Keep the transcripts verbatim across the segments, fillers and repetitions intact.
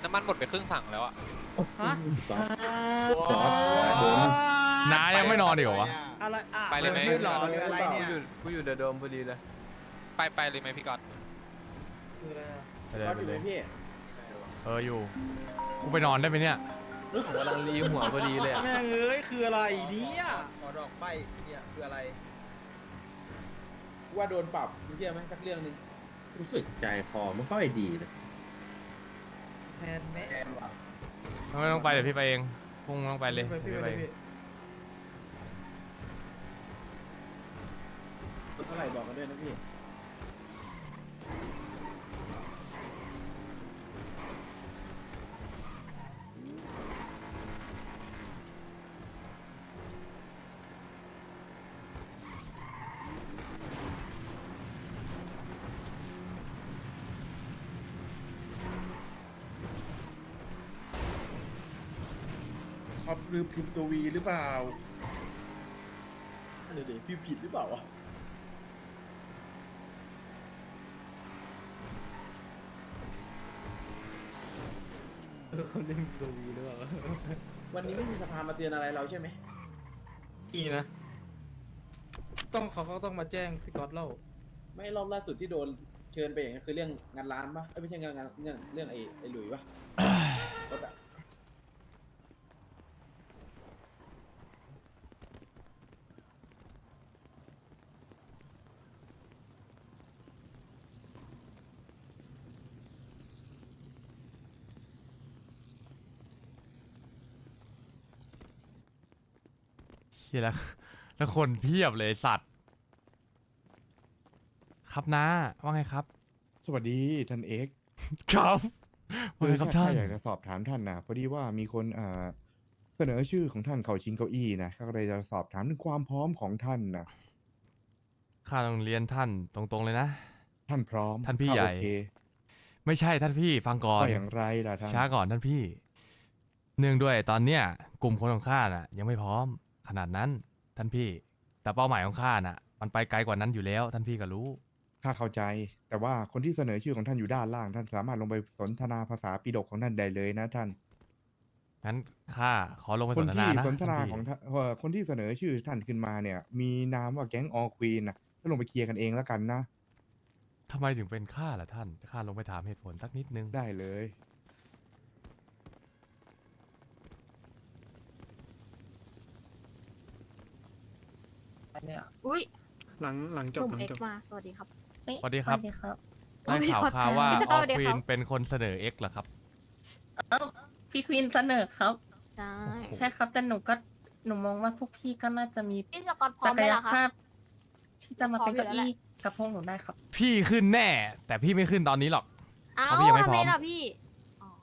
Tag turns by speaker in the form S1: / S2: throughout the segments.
S1: น้ำมันหมดไปครึ่งถังแล้วอะ
S2: ฮะ
S3: น้ายังไม่นอนอีกเหรอวะ
S2: อะไรอ่ะ
S1: ไปเลยไหม
S2: ยืนรอหรืออะไร
S4: กู
S2: เนี่ย
S4: อยู่กูอยู่เดอะโดมพอดีเลย
S1: ไปไปเลยไหมพี่ก๊อต
S2: คืออะไรอ่ะ
S3: ไปเลยไปเลย
S5: พี่
S3: เอออยู่ กูไปนอนได้ไหมเนี่ย
S4: ผมกำลังรีหัวพอดีเลยอะ
S2: แม่งเอ้ยคืออะไรเนี่ย
S5: ขอดอกใบเนี่ยคืออะไร ว่าโดนปรับมีเรื่องไหมสักเรื่องหนึง
S6: รู้สึกใจคอไม่ค่อยดีเลย
S2: แทนแม่
S5: แอนว่ะ
S3: ไม่ต้องไปเดี๋ยวพี่ไปเองพุ่งต้องไปเลย
S2: ไปพี่
S3: เดี๋ยว
S2: ไป
S3: พี่ไป
S2: เลย
S3: เอง
S2: พี่
S5: เท่าไหร่บอกกันด้วยนะพี่
S7: ครับหรือพิมพ์ตัววีหรือเปล่า
S5: เดี๋ยวเดี๋ยวพี่ผิดหรือเปล่าวะ
S2: เขาเล่นตัววีหรือเปล่า
S5: วันนี้ไม่มีสภามาเตือนอะไรเราใช่ไหม
S2: อีนะ ต้องเขาเขาต้องมาแจ้งพี่ก๊อตเล่า
S5: ไม่รอบล่าสุดที่โดนเชิญไปอย่างนั้นคือเรื่องงานร้านปะเอ้ยไม่ใช่งานงานเรื่องเรื่องไอ้ไอ้หลุยปะรถอะ
S3: เฮียแล้วแล้วคนเพียบเลยไอ้สัตว์ ครับน้าว่าไงครับ
S7: สวัสดีท่านเอก
S3: ครับว่าไงครับท่าน
S7: อยากจะสอบถามท่านนะพอดีว่ามีคนอ่าเสนอชื่อของท่านเข้าชิงเก้าอี้นะก็เลยจะสอบถามถึงความพร้อมของท่านนะ
S3: ข้าต้องเรียนท่านตรงๆเลยนะ
S7: ท่านพร้อม
S3: ท่านพี่
S7: ข้
S3: ใหญ่
S7: โอเค
S3: ไม่ใช่ท่านพี่ฟังก่อน
S7: ก็อย่างไรล่ะท่าน
S3: ช้าก่อนท่านพี่ เนื่องด้วยตอนเนี้ยกลุ่มคนของข้าน่ะ ยังไม่พร้อมขนาดนั้นท่านพี่ แต่เป้าหมายของข้าน่ะ มันไปไกลกว่านั้นอยู่แล้ว ท่านพี่ก็รู้
S7: ข้าเข้าใจ แต่ว่าคนที่เสนอชื่อของท่านอยู่ด้านล่าง ท่านสามารถลงไปสนทนาภาษาปิฎกของท่านได้เลยนะท่าน
S3: งั้นข้าขอลงไป
S7: ค
S3: ส
S7: น
S3: นท
S7: ที่
S3: นานะ
S7: สนทนา
S3: ท่พี่
S7: ของท่านเอ่อคนที่เสนอชื่อท่านขึ้นมาเนี่ย มีนามว่าแก๊งออควีนนะก็ลงไปเคลียร์กันเองแล้วกันนะ
S3: ทำไมถึงเป็นข้าล่ะท่านข้าลงไปถามเหตุผลสักนิดนึง
S7: ได้เลย
S8: อุ้ย
S9: หลังหลังจ
S8: ห
S9: บ
S8: นุ่ม
S9: หลัง
S8: เอ็ก
S9: จบ
S8: ซ์มาสวัสดีครับ
S3: สวัสดีครับ
S8: สวัสดีครับ
S3: ได้ข่าวข่าวว่า
S8: พี่
S3: อ
S8: สกอ
S3: อ
S8: ร์สวัสดี
S3: ควี
S8: ครั
S3: น
S8: บ
S3: เป็นคนเสนอเอ็กเหรอครับ
S8: เออพี่ควีนเสนอครับ
S3: ใช่
S8: ใช่ครับแต่หนูก็หนูมองว่าพวกพี่ก็น่าจะมี
S10: พี่สกอตพร้อ
S8: ศั
S10: ม
S8: ก
S10: ไหม
S8: ย
S10: ล่ะคะ
S8: ภาพ ที่จะมาเป็น
S10: พร้อ
S8: เก้าม
S10: อยู่แล้ว
S8: อี้กับพวกหนูได้ครับ
S3: พี่ขึ้นแน่ แต่พี่ไม่ขึ้นตอนนี้หรอก
S10: เอ้า
S3: เพราะพี่ยังไม่
S10: ทำ
S3: พร้
S10: ไม
S3: อม
S10: ล่ะพี่อ๋อ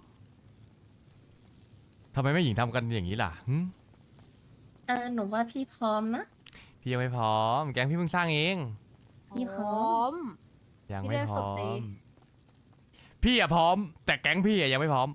S3: ทำไมไม่หญิงทำกันอย่างนี้ล่ะหึ
S8: เออหนูว่าพี่พร้อมนะ
S3: พี่ยังไม่พร้อม แก๊งพี่เพิ่งสร้างเอง
S8: พี่พร้อม
S10: ม
S3: ยัง
S10: พี่
S3: ไม่
S10: เล่น
S3: พ
S10: สุ
S3: ร้
S10: ด
S3: อ
S10: ดี
S3: ม พี่อะพร้อม แต่แก๊งพี่อะยังไม่พร้อม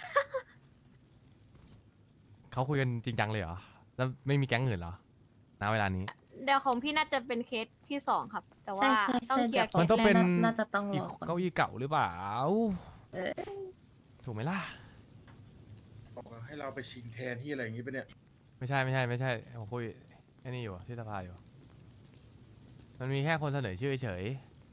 S3: เขาคุยกันจริงจังเลยเหรอ แล้วไม่มีแก๊งอื่นเหรอณเวลานี้
S10: เดี๋ยวของพี่น่าจะเป็นเคสที่สองครับ แต่ว่า
S8: ใช่ใช่
S10: ต้อง
S8: ใช่
S10: เคลียร์
S3: มันต้องเป็น
S8: น่าจะต้อง
S3: อี
S8: ร
S3: ก
S8: อก่อน
S3: เก้าอี้เก่าหรือเปล่า
S8: เออ
S3: ถูกไหมล่ะ
S7: บอกว่าให้เราไปชิงแทนที่อะไรอย่างนี้ปะเนี่ย
S3: ไม่ใช่ไม่ใช่ไม่ใช่ผมคุยไอ้นี่อยู่ที่สภาอยู่ มันมีแค่คนเสนอชื่อเฉย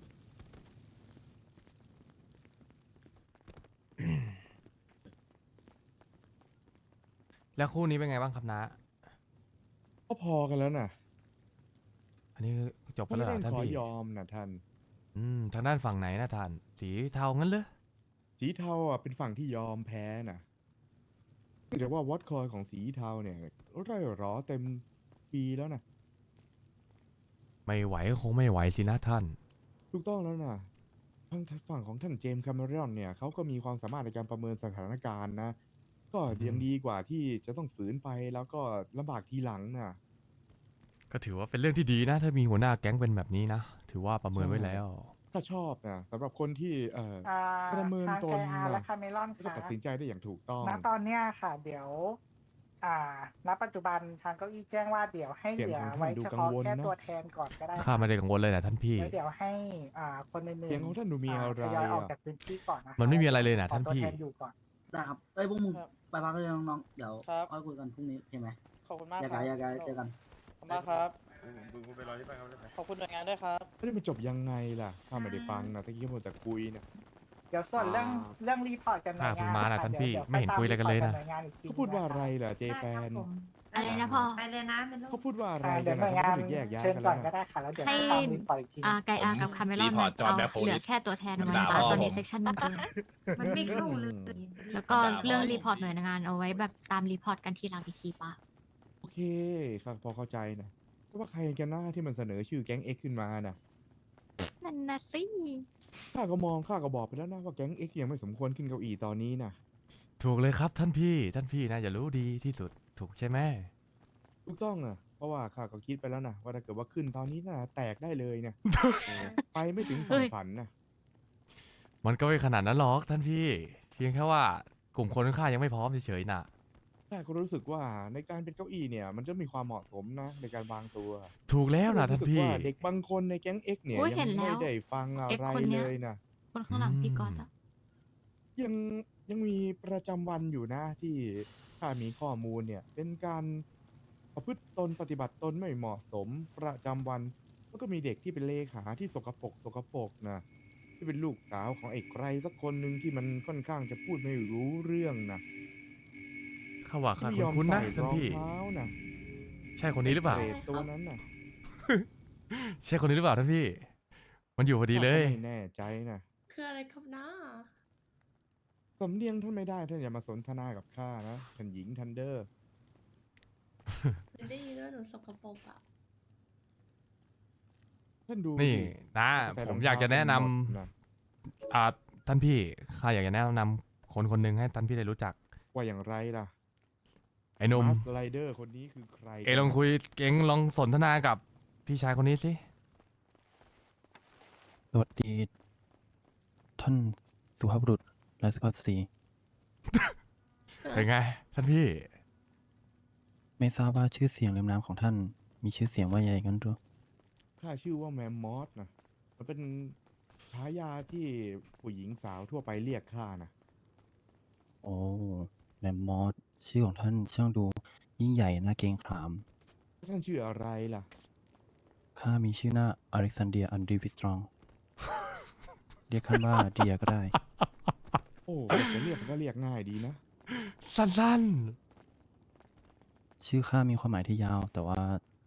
S3: แล้วคู่นี้เป็นไงบ้างครับนะ
S7: ก็พอกันแล้วนะ
S3: อันนี้จบไป
S7: ท่าน
S3: แล้วเหร
S7: ไม่
S3: อ
S7: ต้
S3: ท่า
S7: อน งขอ
S3: พี่
S7: ยอมนะท่าน
S3: อืมทางด้านฝั่งไหนนะท่าน สีเทางั้นเลย
S7: สีเทาอ่ะเป็นฝั่งที่ยอมแพ้นะแต่ว่าวอตคอยของสีเทาเนี่ยไร่รอเต็มปีแล้วนะ
S3: ไม่ไหวก็คงไม่ไหวสินะท่าน
S7: ถูกต้องแล้วนะทางฝั่งของท่านเจมส์แคมเมรอนเนี่ยเขาก็มีความสามารถในการประเมินสถานการณ์นะ ก็ยังดีกว่าที่จะต้องฝืนไปแล้วก็ลำบากทีหลังนะ
S3: ก็ถือว่าเป็นเรื่องที่ดีนะ ถ้ามีหัวหน้าแก๊งเป็นแบบนี้นะ ถือว่าประเมินไว้แล้ว
S7: ถ้าชอบนะสำหรับคนที่เอ่อ
S9: อ่า
S7: ประเมิน
S9: ทาง
S7: ต
S9: เคน อาร์
S7: นะ
S9: และคาเมลอน
S7: ก็จะ
S9: ค่ะ
S7: ตัดสินใจได้อย่างถูกต้อง
S9: ณตอนเนี้ยค่ะ เดี๋ยว อ่า ณ ปัจจุบันทางเก้าอี้แจ้งว่าเดี๋ยวให้
S7: เสี
S9: เห
S7: ยง
S9: ลือ
S7: ของท่าน
S9: ไว้
S7: ดู
S9: เฉ
S7: กัง
S9: พาะ
S7: วล
S9: แค่
S7: เนอะ
S9: ตัวแทนก่อนก็ได้
S3: ข้าไม่ได้กังวลเลยนะท่านพี่
S9: แล้วเดี๋ยวให้ อ่า คนอื่นๆ
S7: เสียงของท่านดูมีอะไร
S9: ทยอยออก
S7: อ่ะ
S9: จากพื้นที่ก่อนนะคะ
S3: มันไม่มีอะไรเลยนะ
S9: ขอ
S3: ท่าน
S9: ตัว
S3: พี่
S9: แทนอยู่ก่อน
S11: ได้ครับเอ้ยพวกมึงไปพักเลยน้องๆเดี๋ยว
S9: ครับ
S11: ค่อยคุยกันพรุ่งนี้ใช่ไหม
S9: ขอบคุณมาก
S11: แยก
S9: ครั
S11: ย้าย
S9: บ
S11: แยกย้ายเจอกัน
S9: ขอบคุณมากครับ
S6: มึงไปรอที่บ้านเขาได้ไหม
S9: ขอบคุณหน่วยงานด้วยครับ
S7: ไม่ได้มันจบยังไงล่ะข้าไม่ได้ฟังนะตะกี้มัวแต่คุยนะ
S9: เดี๋ยวส่วนเรื่องเรื่องรีพอร์ตกันหน่วย
S3: อ่าเพิ่
S9: งาง น
S3: มาน่ะ
S9: ค่ะ
S3: ท่าน
S9: ดี๋ว
S3: พี่
S9: ดี๋ว
S3: ไม่เห็นคุยอะไรกันเลยนะ
S9: ปตาม report หวงานอีกที
S7: เขาพูดว่าอะไรล่ะเจแปน
S10: อะไรนะพ่อ
S8: ไปเลยนะเป็นลู
S7: เขา
S8: ก
S7: พูดว่าอะไร
S9: อ่าเดี๋
S7: กั
S9: ยวน หน่
S7: นะ
S9: วยงาน
S7: เขาถึงแยกย้าย
S9: เชิญ
S7: กัน
S9: ก่
S7: แล้ว
S9: อนก็
S7: นะ
S9: ได้ค่ะแล้วเดี๋ยว
S10: ให้
S9: ตามรีพอร์ตอีกที
S10: อ่าไกอากับคาเมลอนมันเอาเหลือแค่ตัวแทนมาตาตอนนี้เซกชันมันเกิน
S8: มันไม่เข้าเลย
S10: แล้วก็เรื่องรีพอร์ตหน่วยงานเอาไว้แบบตามรีพอร์ตกันทีหลังอีกทีปะ
S7: โอเคครับพอเข้าใจนะแต่ว่าใครกันหน้าที่มันเสนอชื่อแก๊ง X ขึ้นมาน่ะ
S10: นั่นนะสิ
S7: ข้าก็มองข้าก็บอกไปแล้วนะว่าแก๊ง X ยังไม่สมควรขึ้นเก้าอี้ตอนนี้นะ
S3: ถูกเลยครับท่านพี่ท่านพี่นะอย่ารู้ดีที่สุดถูกใช่ไหม
S7: ถูกต้องอ่ะเพราะว่าข้าก็คิดไปแล้วนะว่าถ้าเกิดว่าขึ้นตอนนี้น่าแตกได้เลยนะเออไปไม่ถึงฝั่งฝันนะ
S3: มันก็ไม่ขนาดนั้นหรอกท่านพี่ เพียงแค่ว่ากลุ่มคนข้างๆยังไม่พร้อมเฉยๆน่ะ
S7: ข้าก็รู้สึกว่าในการเป็นเก้าอี้เนี่ย มันจะมีความเหมาะสมนะในการวางตัว
S3: ถูกแล้วนะท่าน
S7: รู้สึก
S3: พี่
S7: ว่าเด็กบางคนในแก๊ง X เนี่ย
S10: โอ้ย
S7: ยั
S10: เห็น
S7: ไม่
S10: แล้ว
S7: ได้ฟังอะ
S10: X
S7: ไร
S10: คนเนี้
S7: เลย ยนะ
S10: คนข้างหลังพี่ก๊อตอะ
S7: ยังยังมีประจำวันอยู่นะที่ข้ามีข้อมูลเนี่ย เป็นการประพฤติตนปฏิบัติตนไม่เหมาะสมประจำวันแล้วก็มีเด็กที่เป็นเลขาที่สกปรกสกปรกนะที่เป็นลูกสาวของไอ้ใครสักคนหนึ่งที่มันค่อนข้างจะพูดไม่รู้เรื่องนะ
S3: ข้าว่าข้า
S7: ไม่ยอม
S3: คุ้นๆนะ
S7: ใส่
S3: ท่าน
S7: รอง
S3: พี่
S7: เท้านะ
S3: ใช่คนนี้หรือเปล่า
S7: เปรตตัวนั้นน่ะ
S3: ใช่คนนี้หรือเปล่าท่านพี่ มันอยู่พอดีเลย
S7: ข้าก็ไม่แน่ใจนะ
S8: คืออะไรครับน้า
S7: สำเนียงท่านไม่ได้ท่านอย่ามาสนทนากับข้านะท่านหญิงทันเดอร์
S8: ไม่ได้ยินว่าหนูสกปรกอ่ะ
S7: ท่านดู
S3: นี่
S7: สิ
S3: นะ
S7: ใส่ร
S3: ผ
S7: อง
S3: ม
S7: เท้า
S3: อยากจะแนะนำ
S7: กันหมดนะ
S3: อ่าท่านพี่ข้าอยากจะแนะนำคนคนหนึ่งให้ท่านพี่ได้รู้จัก
S7: ว่าอย่างไรล่ะ
S3: ไอ้หนุ่ม
S7: มาสไลเดอร์คนนี้คือใคร
S3: เอลองคุยเก่งลองสนทนากับพี่ชายคนนี้สิ
S12: สวัสดี ท่านสุภาพบุรุษและสุภาพสตรี
S3: เป็นไง ท่านพี่
S12: ไม่ทราบว่าชื่อเสียงเรียมนามของท่านมีชื่อเสียงว่าอย่างไรกันหรือ
S7: ข้าชื่อว่าแมมมอสนะมันเป็นฉายาที่ผู้หญิงสาวทั่วไปเรียกข้านะ
S12: โอ้แมมมอสชื่อของท่านช่างดูยิ่งใหญ่น่าเกรงขาม
S7: ท่านชื่ออะไรล่ะ
S12: ข้ามีชื่อหน้าอเล็กซานเดียอันดรีวิสตรอง เรียกข้าว่าเดียก็ได้
S7: โอ้จะเรียกมันก็เรียกง่ายดีนะ
S3: สั้น
S12: ชื่อข้ามีความหมายที่ยาว แต่ว่า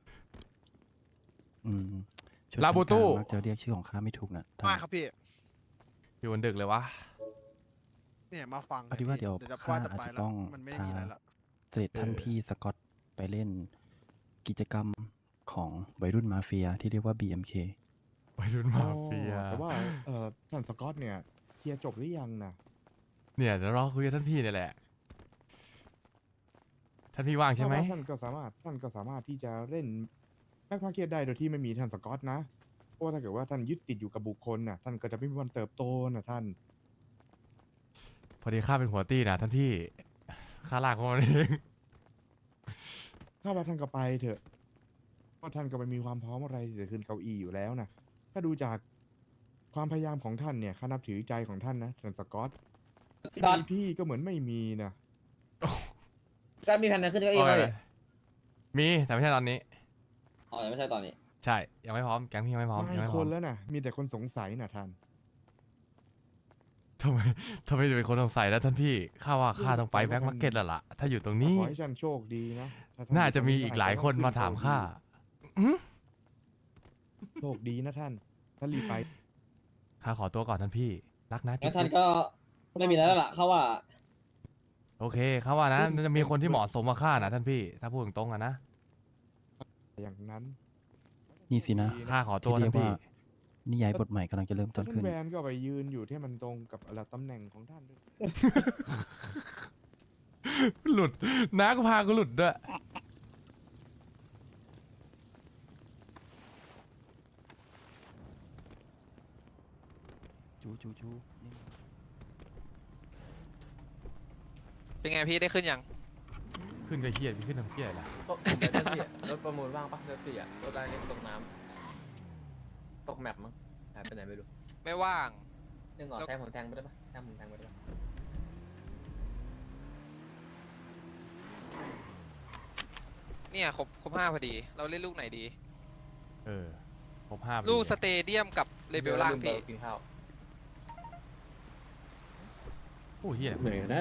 S12: อืมชน
S3: ลาบูตู้
S12: ชั้นกลางมักจะเรียกชื่อของข้าไม่ถูกนะท่าน
S1: มาครับพี่
S3: ๆอยู่บนดึกเลยวะ
S1: เนี่ยมาฟัง
S12: พอดีว่าเดี๋ยว
S1: จะ
S12: ข้า
S1: จะ
S12: อาจ
S1: ไป
S12: จะ
S1: แล้ว
S12: ต้อง
S1: มันไม่
S12: พา
S1: มีอะไรละ
S12: เสด็จท่าน
S3: เออ
S12: พี่สกอตไปเล่นกิจกรรมของวัยรุ่นมาเฟียที่เรียกว่า บี เอ็ม เค
S3: ไปรุ่นมาเฟีย
S7: อ๋อแต่ว่าเอ่อท่านสกอตเนี่ยเคลียร์จบหรือยังนะ
S3: เนี่ยเดี๋ยวรอคุยกับท่านพี่เนี่ยแหละ ท่านพี่ว่างใช่ไหม
S7: เพราะว่าท่านก็สามารถท่านก็สามารถที่จะเล่นแบ็คมาร์เก็ตได้โดยที่ไม่มีท่านสกอตนะเพราะว่าถ้าเกิดว่าท่านยึดติดอยู่กับบุคคลน่ะท่านก็จะไม่มีวันเติบโตนะท่าน
S3: พอดีข้าเป็นหัวตี้นะท่านพี่ ข้าลากเขามาเอง
S7: ถ้าว่าท่านก็ไปเถอะเพราะท่านก็ไม่มีความพร้อมอะไรที่จะขึ้นเก้าอี้อยู่แล้วนะถ้าดูจากความพยายามของท่านเนี่ยข้านับถือใจของท่านนะท่านสกอตที่มีพี่ก็เหมือนไม่มีนะ
S5: ก็มีแผนขึ้นเก้าอี้
S3: เอา
S5: ไหม
S3: ไงมีแต่ไม่ใช่ตอนนี้
S5: อ๋อยังไม่ใช่ตอนนี้
S3: ใช่ ยังไม่พร้อม แก๊งพี่ยังไม่พร้อม
S7: ไม่
S3: ยังไม่พ
S7: ค
S3: ร้อม
S7: นแล้วนะมีแต่คนสงสัยนะท่าน
S3: ทำไมทำไมถึงเป็นคนสงสัยแล้วท่านพี่ ข้าว่าข้าต้องไปแบ็คมาร์เก็ตแล้วล่ะ ถ้าอยู่ตรงนี้
S7: ขอให้ท่านโชคดีนะถ้ท่
S3: น่าจะมี
S7: ยู่ตรง
S3: อีกหลายคนมาถามข้า
S7: โชคดีนะท่านท่านรีบไป
S3: ข้าขอตัวก่อนท่านพี่ รักนะ
S5: งั้นท่าน
S3: จุ๊บ
S5: ก็ไม่มีแล้วล่ะเขาว่า
S3: ๆโอเคข้าว่านะน่าจะมีคนที่เหมาะสมกับข้านะท่านพี่ ถ้าพูดตรงๆอะนะ
S7: อย่างนั้น
S12: นี่สินะ
S3: ข้าขอตัว
S12: ที่เรีย
S3: ท่าก น
S12: ว่า
S3: พี่
S12: นิยายบทใหม่กำลังจะเริ่มต้น
S7: ท่า
S12: ขึ้
S7: น
S12: น
S7: แวนก็ไปยืนอยู่ที่มันตรงกับอะไรตำแหน่งของท่านด้วย
S3: หลุดน้าก็พากูหลุดด้วย
S12: จูจูจูนี่
S1: เป็นไงพี่ได้ขึ้นยัง
S3: ขึ้นก็เฮียขึ้นทำเฮียอะไรล่ะ
S4: ก็เดี๋ยวรถพี่อะรถประมูลว่างปะรถพี่อะรถอะไรนี่ตกน้ำตกแมปมั้งหายไปไหนไม่รู้
S1: ไม่ว่าง
S4: เรื่องก่อนแทงผมแทงไปได้ปะแทงผมแทงไปได้ปะ
S1: เนี่ยครบครบห้าพอดี เราเล่นลูกไหนดี
S3: เออครบห้าพอดี
S1: ลูกสเตเดียมกับเลเบลล่างพี่
S4: กินข้าว
S3: โอ้ยเฮีย
S5: ไหนนะ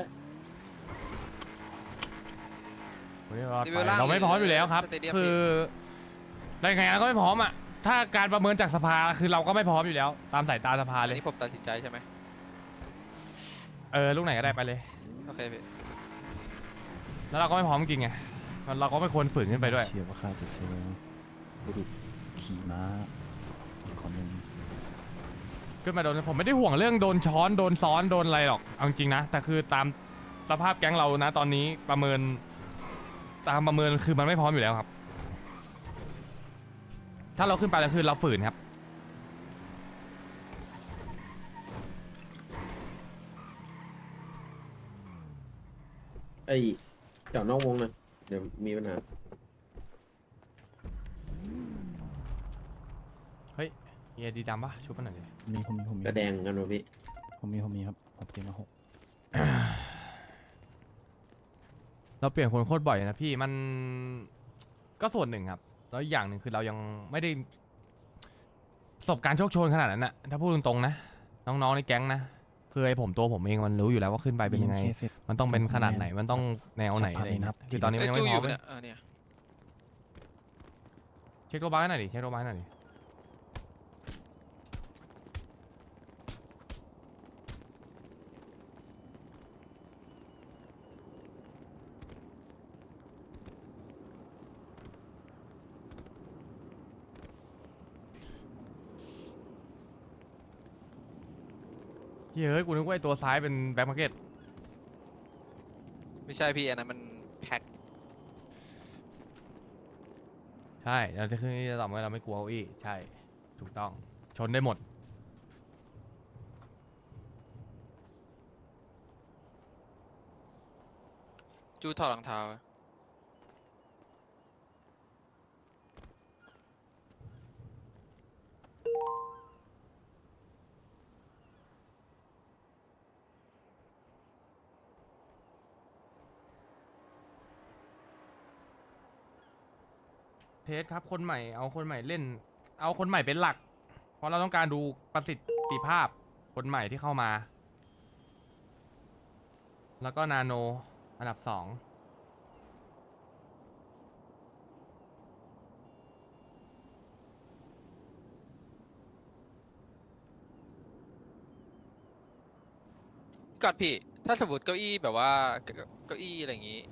S3: เฮ้ยว่า
S1: รี
S3: ไป
S1: วิวล่าง
S3: เราไม่พร้อมอยู่แล้วครับ
S1: สเตเดียม
S3: คือได้ไงก็ไม่พร้อมอ่ะถ้าการประเมินจากสภาคือเราก็ไม่พร้อมอยู่แล้ว ตามสายตาสภา
S1: อัน
S3: เลย
S1: นี้ผมตัดสินใจใช่ไหม
S3: เออลูกไหนก็ได้ไปเลย
S1: โอเคพี่
S3: แล้วเราก็ไม่พร้อมจริงไงมันเราก็ไม่ควรฝืนขึ้นไปด้วย
S12: เชื่อว่าข้าจะเจอบุรุษขี่ม้าอีกคนหนึ่ง
S3: ขึ้นมาโดนผมไม่ได้ห่วงเรื่องโดนช้อนโดนซ้อนโดนอะไรหรอกเอาจริงนะแต่คือตามสภาพแก๊งเรานะตอนนี้ประเมินตามประเมินคือมันไม่พร้อมอยู่แล้วครับ ถ้าเราขึ้นไปแล้วคือเราฝืนครับ
S5: ไอ้เจาะนอกวงนะเดี๋ยวมีปัญหา
S3: เฮ้ยมีไอดีดำปะชุบมันหน่อยดิ
S12: มีผมมีผมมี
S5: กระแดงกันวะพี่
S12: ผมมีผมมีครับผมเตรียมมาหก
S3: เราเปลี่ยนคนโคตรบ่อยนะพี่มันก็ส่วนหนึ่งครับแล้วอีกอย่างหนึ่งคือเรายังไม่ได้ประสบการณ์โชคโชนขนาดนั้นนะถ้าพูดตรงๆนะน้องๆในแก๊งนะคือไอผมตัวผมเองมันรู้อยู่แล้วว่าขึ้นไปเป็นยังไง มันต้องเป็นขนาดไหนมันต้องแนวไหนอะไรอย่างเงี้ยคือตอนนี้มันยัง
S1: จู
S3: ไม่
S1: อ
S3: พร้อยู่ มเลย
S1: เนี่ยเออเนี่ย
S3: เช็คโรบาร์ให้หน่อยดิเช็คโรบาร์ให้หน่อยดิเฮ้ยกูนึกว่าไอตัวซ้ายเป็นแบ็คมาร์เก็ต
S1: ไม่ใช่พี่อันนั้นมันแพ็ค
S3: ใช่เราจะขึ้นนี่จะตอบว่าเราไม่กลัวเก้าอี้ใช่ถูกต้องชนได้หมด
S1: จูถอดรองเท้าอะ
S3: เทสครับคนใหม่เอาคนใหม่เล่น เอาคนใหม่เป็นหลัก เพราะเราต้องการดูประสิทธิภาพคนใหม่ที่เข้ามา แล้วก็นาโนอันดับสอง
S1: ก่อนพี่ ถ้าสมมติเก้าอี้แบบว่าเก้าเก้าอี้อะไรอย่างงี้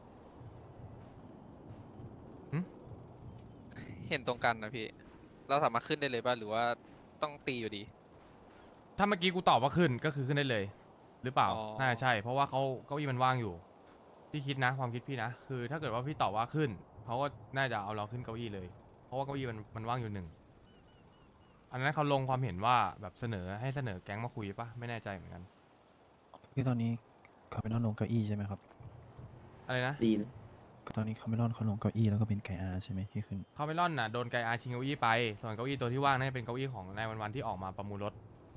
S1: เห็นตรงกันนะพี่ เราสามารถขึ้นได้เลยป่ะหรือว่าต้องตีอยู่ดี
S3: ถ้าเมื่อกี้กูตอบว่าขึ้นก็คือขึ้นได้เลย หรือเปล่า
S1: อ๋อ
S3: น่าจะใช่ เพราะว่าเขาเก้าอี้มันว่างอยู่พี่คิดนะความคิดพี่นะคือถ้าเกิดว่าพี่ตอบว่าขึ้นเขาก็น่าจะเอาเราขึ้นเก้าอี้เลย เพราะว่าเก้าอี้มันมันว่างอยู่หนึ่งอันนั้นเขาลงความเห็นว่าแบบเสนอให้เสนอแก๊งมาคุยปะไม่แน่ใจเหมือนกัน
S12: คือตอนนี้คาเมลอนลงเก้าอี้ใช่ไหมครับ
S3: อะไรนะ
S5: ดีนะ
S12: ก็ตอนนี้คาเมลอนเขาลงเก้าอี้แล้วก็เป็นไก่อาใช่ไหมที่ขึ้น
S3: คาเมลอนน่ะโดนไกอาชิงเก้าอี้ไปส่วนเก้าอี้ตัวที่ว่างน่าจะเป็นเก้าอี้ของนายวันวันๆที่ออกมาประมูลรถ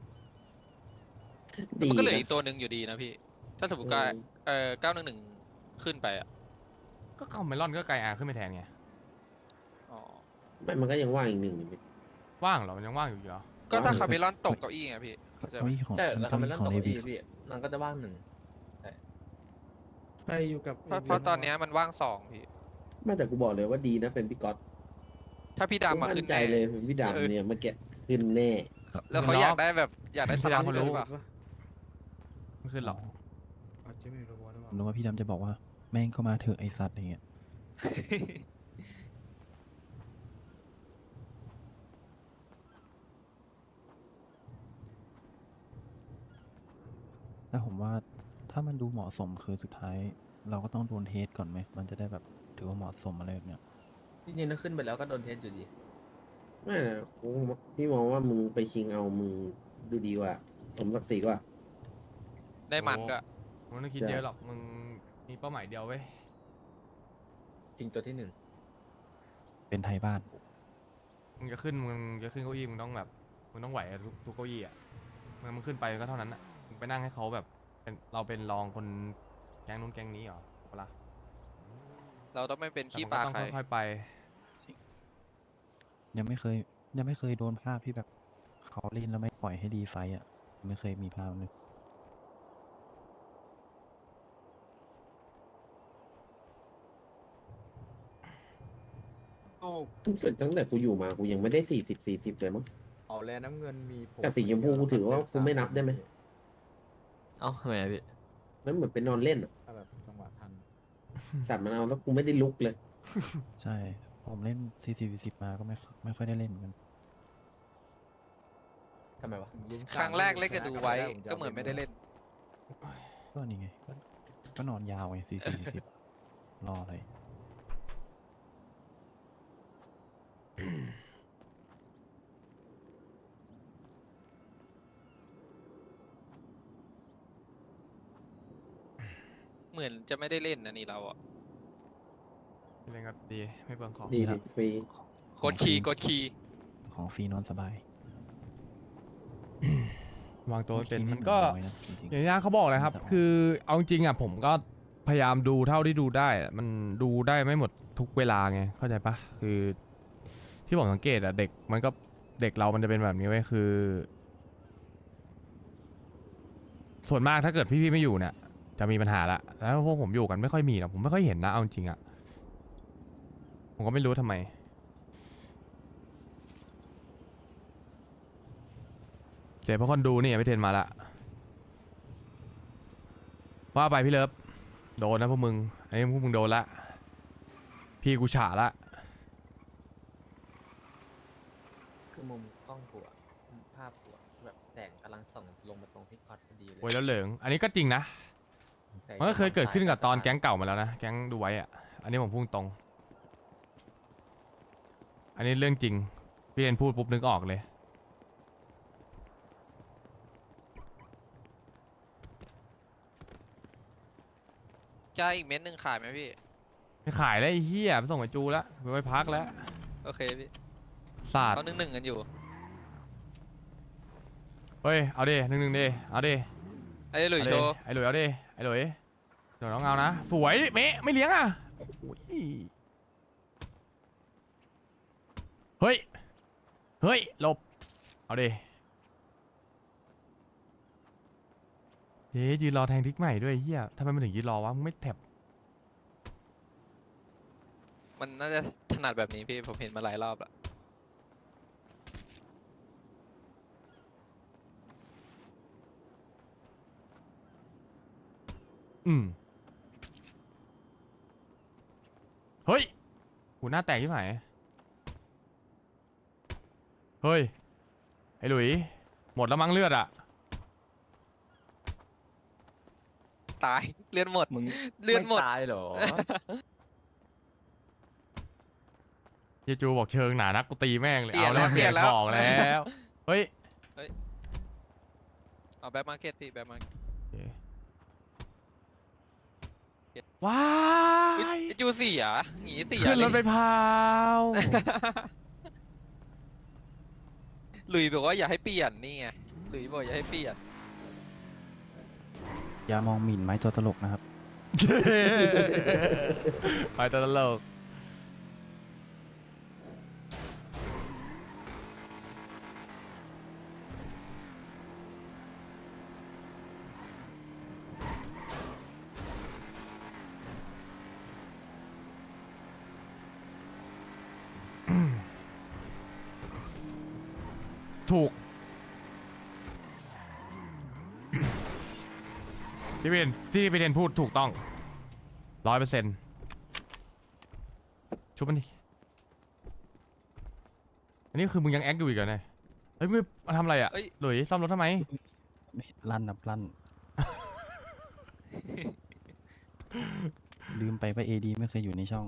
S5: ดี
S1: มันก็เหลือ
S5: นะ
S1: อีกตัวหนึ่งอยู่ดีนะพี่ ถ้าสมมติว่า
S5: เออ
S1: เออเก้าหนึ่งหนึ่งขึ้นไปอ่ะ
S3: ก็คาเมลอนก็ไกอาขึ้นไปแทนไง
S1: อ๋อ
S5: ไม่มันก็ยังว่างอีกหนึ่งอยู่พี่
S3: ว่างเหรอมันยังว่างอยู่อีกเหรอ
S1: ก็ถ้า
S12: ว่าง
S1: คาเมลอนตกเก้าอี้ไงพี่เข้าใจ
S12: เก้า
S1: ไหม
S12: อี้ของ
S4: ใช่แล้ว
S12: เก้า
S4: คำมัน
S12: อี้
S4: นั่น
S12: ของ
S4: ตก
S12: เล
S4: เก้า
S12: วิ
S4: อี้พี่มันก็จะว่างหนึ่ง
S2: ใครอยู่กับ
S1: เพราะเพราะตอนเนี้ยมันว่างสองพี่
S5: ไม่แต่กูบอกเลยว่าดีนะเป็นพี่ก๊อต
S1: ถ้าพี่ดำมาขึ้น
S5: ใจ
S1: แน่
S5: เลยเป็นพี่ดำเนี่ยเมื่อกี้ขึ้นแน่
S1: แล้วเขาอยากได้แบบอยากได้สล็อต
S3: พี่
S1: ด้
S3: ดำ
S1: วย
S3: เขารู้
S1: หรือเปล่า
S3: ไม่ขึ้นหรอก
S2: อาจจะไม่รู้ว่าหรือเป
S12: ผ
S2: ล่าม
S12: นึกว่าพี่ดำจะบอกว่าแม่งก็มาเถอะไอสัตว์อย่างเงี้ย แต่ผมว่าถ้ามันดูเหมาะสมคือสุดท้าย เราก็ต้องโดนเทสก่อนไหมมันจะได้แบบถือว่าเหมาะสมอะไรแบบเนี้ย
S4: จริงๆถ้าขึ้นไปแล้วก็โดนเทสอยู่ดี
S5: ไม่นะกูพี่มองว่ามึงไปชิงเอามึงดูดีกว่า สมศักดิ์ศรีกว่า
S1: ได้มันด้วย
S3: มึงไม่ต้องคิดเยอะหรอกมึงมีเป้าหมายเดียวเว้ย
S4: จริงตัวที่หนึ่ง
S12: เป็นไทยบ้าน
S3: มึงจะขึ้นมึงจะขึ้นเก้าอี้มึงต้องแบบมึงต้องไหวทุกทุกเก้าอี้อ่ะมึงมึงขึ้นไปก็เท่านั้นอ่ะมึงไปนั่งให้เขาแบบเป็นเราเป็นรองคนแก๊งนู้นแก๊งนี้เหรอเปะล่า
S1: เราต้องไม่เป็น
S3: แต่
S1: ขี้
S3: มัน
S1: ป
S3: ก็
S1: ลา
S3: ต้อง
S1: ใคร
S3: ค่อยๆไป
S12: ยังไม่เคย ยังไม่เคยโดนภาพที่แบบเขาเล่นแล้วไม่ปล่อยให้รีไฟต์อ่ะ ไม่เคยมีภาพเลย
S13: ทุกสุดตั้งแต่กูอยู่มากูยังไม่ได้สี่สิบสี่สิบเลยมั้ง
S4: เอาแลน้ำเงินมีผม
S13: แต่สีชมพูกูถือว่ากูไม่นับได้ไหม
S4: เอ้าทำไมอะพี่
S13: มันเหมือนเป็นนอนเล่นอะ
S2: ถ้าแบบจังหวะทัน
S13: สัตว์มันเอาแล้วกูไม่ได้ลุกเลย
S12: ใช่ ผมเล่นสี่สิบสิบมาก็ไม่ไม่ค่อยได้เล่นเหมือนกัน
S4: ทำไมวะ
S1: ครั้งแรกเล่นกับดูไว้ก็เหมือนไม่ได้เล่น
S12: ก็นี่ไง ก็ก็นอนยาวไงสี่สิบสิบรออะไร
S1: เหมือนจะไม่ได้เล่นนะนี่เราอ่ะ
S3: เล่นก็ดีไม่เปลืองของ
S13: ดี
S12: ครั
S13: ดิ
S12: บ
S13: ฟรี
S1: กดคีย์กดคีย์
S12: ของฟรีนอนสบาย
S3: วางตัวไม่เป็น
S12: คีย์
S3: มันก็
S12: น้อยนะจริง
S3: อย่างที่เขาบอกเลยครับ
S12: มันจะออก
S3: คือเอาจริงๆอ่ะผมก็พยายามดูเท่าที่ดูได้อะมันดูได้ไม่หมดทุกเวลาไงเข้าใจปะคือ ที่ผมสังเกตอ่ะเด็กมันก็เด็กเรามันจะเป็นแบบนี้ไว้ยคือ ส่วนมากถ้าเกิดพี่ๆไม่อยู่เนี่ย จะมีปัญหาละแล้วพวกผมอยู่กันไม่ค่อยมีหรอกผมไม่ค่อยเห็นนะเอาจริงๆอ่ะผมก็ไม่รู้ทำไม เจ๊เพราะคนดูนี่พี่เทนมาละว่าไปพี่เลิฟโดนนะพวกมึงไอ้พวกมึงโดนละพี่กูฉาละ
S4: คือมุมกล้องกูอะมุมภาพกูอะแบบแสงกำลังส่องลงมาตรงที่คอสพอดีเลย
S3: โวยแล้วเหลิงอันนี้ก็จริงนะ
S4: แต่
S3: มันก็เคยเกิดขึ้นกับตอนแก๊
S4: ง
S3: งเก่ามาแล้วนะแก๊งดูไว้อะอันนี้ผมพูดตรง อันนี้เรื่องจริงพี่เทนพูดปุ๊บนึกออกเลย
S1: จะอีกเม็ดหนึ่งขายไหมพี่
S3: ไม่ขายแล้วไอ้เหี้ยไปส่งไอ้จูแล้วไปไว้พักแล้ว
S1: โอเคพี่
S3: ศาสตร์
S1: เขาหนึ่งหนึ่งกันอยู่
S3: เฮ้ยเอาดิหนึ่งหนึ่งดิเอาดิ
S1: ไอ้หลุย
S3: เอา
S1: โช
S3: ดิ
S1: ว์
S3: ไอ้หลุยเอาดิไอ้หลุยเดี๋ยวน้องเอานะสวยเมะไม่เลี้ยงอ่ะโอ้ยเฮ้ยเฮ้ยหลบเอาดิเย้ยืนรอแทงทิกใหม่ด้วยเฮียทำไมมันถึงยืนรอวะมึงไม่แท็บ
S1: มันน่าจะถนัดแบบนี้พี่ผมเห็นมาหลายรอบละ
S3: อืมเฮ้ยหูหน้าแตกที่ไหนเฮ้ยไอ้หลุยหมดแล้วมั้งเลือดอ่ะ
S1: ตายเลือดหมด
S4: มึง
S1: เลือดหมด
S4: ไตายเหรอ
S3: เยจูบอกเชิงหนานักกูตีแม่งเลย
S1: เปลี่ยน
S3: เอาแล้ว
S1: แล้วเปลี่ยนแล้ว
S3: ของแล้วเฮ้ย
S1: เอาแบ็คมาร์เก็ตพี่แบ็คมาร์เก็ต
S3: ว้า
S1: อุ๊ย
S3: ย
S1: ไอ้จูเสียหนีเสีย
S3: ขึ้นรถไป
S1: เลย
S3: พาว
S1: หลุยบอกว่าอย่าให้เปลี่ยนนี่ไงหลุยบอกอย่าให้เปลี่ยน
S12: อย่ามองหมิ่นไม้ตัวตลกนะครับ
S3: ไปตลกถูก ที่พี่เรนที่พี่เรนพูดถูกต้องร้อยเปอร์เซ็นต์ชุบมันดิอันนี้คือมึงยังแอคอยู่อีกเหรอเนี่ยเฮ้ยมึงมาทำอะไรอ่ะ
S1: เอ้ย
S3: หลุยซ่อมรถทำไม
S12: ลั่นนับลั่น ลืมไปว่าเอดีไม่เคยอยู่ในช่อง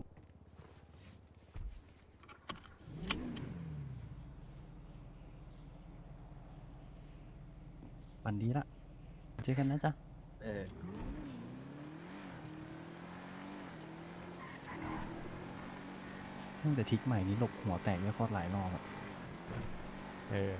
S12: วันดีละเจอกันนะจ๊ะ
S4: เออ
S12: ตั้งแต่ทิกใหม่นี้หลบหัวแตกเยอะโคตรหลายรอบอะ
S3: เออ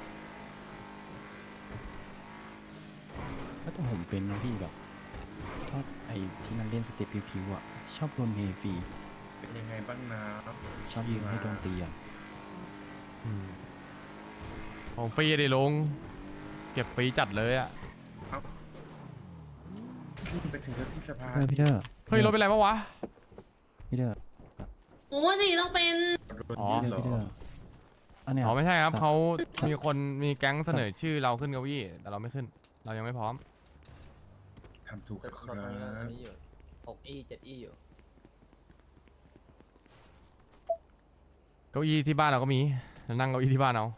S12: แล้วแต่ผมเป็นนะพี่แบบอบไอ้ที่มันเล่นสเต็ปผิวๆอ่ะ ชอบโดนเฮฟรี
S6: เป็นยังไงบ้างนะ
S12: ชอบยืนให้โดนตีอ่ะ
S3: อืมของฟรีดิลุงเก็บฟรีจัดเลยอ่ะ
S6: ไปถึงที่สภา
S12: เออพี่เด้อ
S3: เฮ้ยรถเป็นไรปะวะ
S12: พี่เด้อ
S8: โอ้สิต้องเป็น
S3: อ๋อ
S12: พี่เด้อพี่เด้ออันเนี้ย
S3: อ๋อไม่ใช่ครับ
S12: ครับ
S3: เขามีคนมีแก๊งเสนอชื่อเราขึ้นเก้าอี้แต่เราไม่ขึ้น เรายังไม่พร้อม
S6: ทำถูก
S4: แต่
S6: ค
S4: ตอน
S6: รั
S4: นี้อัน
S6: บ
S4: นี้อยู่หกอีเจ็ดอีอยู่
S3: เก้าอี้ที่บ้านเราก็มีเรานั่งเก้าอี้ที่บ้านเอา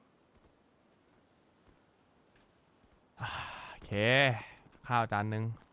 S3: โอเค ข้าวจานหนึ่ง